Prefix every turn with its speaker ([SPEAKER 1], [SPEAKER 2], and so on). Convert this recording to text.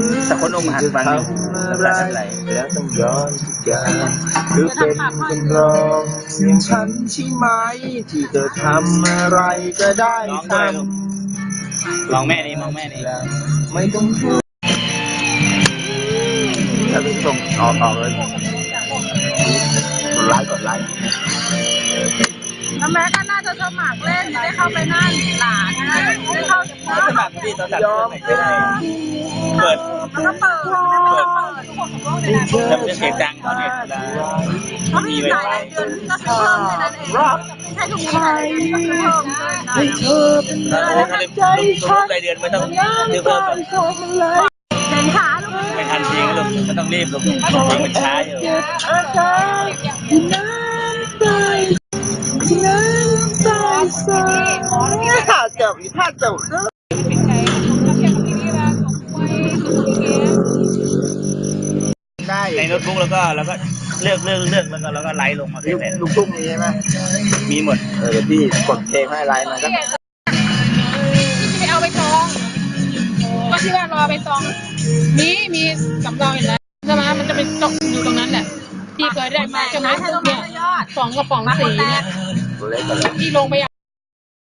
[SPEAKER 1] แต่คนอกหักฟังอยู่น้ำตาไหล
[SPEAKER 2] แล้วต้องย้อนทุกอย่างคือเป็นคนรองอย่างฉันใช่ไหมที่เธอทำอะไรก็ได้ทำ
[SPEAKER 1] มองแม่นี่มองแม่นี่
[SPEAKER 2] ไม่ต้องพูดถ้าเป็นส่งออกเลยกดไลค์
[SPEAKER 3] แล้วแม่ก็น่าจะสมัครเล่นได้เข้าไปนั่นหลานได้เข้า
[SPEAKER 1] สมัครพี่ตอนตัดผมไม่ได้เปิด
[SPEAKER 3] แล้วก็เปิด
[SPEAKER 1] แต่เป็นเสียงดังเขาเนี่ย
[SPEAKER 3] เขามีหลายเดือนก็เพิ่มแค่นั้นเองใช่ทุกปีหลายเดือนก็เพิ่มเลย
[SPEAKER 1] รายเดือนไม่ต้องซื้อเพิ่มหรอก
[SPEAKER 3] เห็นขาลูก
[SPEAKER 1] ไม่ทันจริงลูกไม่ต้องรีบลูกจริงมันช้าอยู่
[SPEAKER 2] ถ้าจบได้
[SPEAKER 1] ในโน้ตบุ๊กแล้วก็เลือกแล้วก็ไลฟ์ลงมาเป็น
[SPEAKER 2] ลูกทุ่งมีใช่ไหม
[SPEAKER 1] มีหมด
[SPEAKER 2] เดี๋ยวพี่กดเพลงให้ไลน์มันก็
[SPEAKER 3] ไปเอาไปตองก็ที่ว่ารอไปตองมีสำรองอยู่แล้วใช่ไหมมันจะเป็นตกอยู่ตรงนั้นแหละพี่เคยได้มาใช่ไหมเนี่ย2 กระป๋องสีเนี่ยที่ลงไป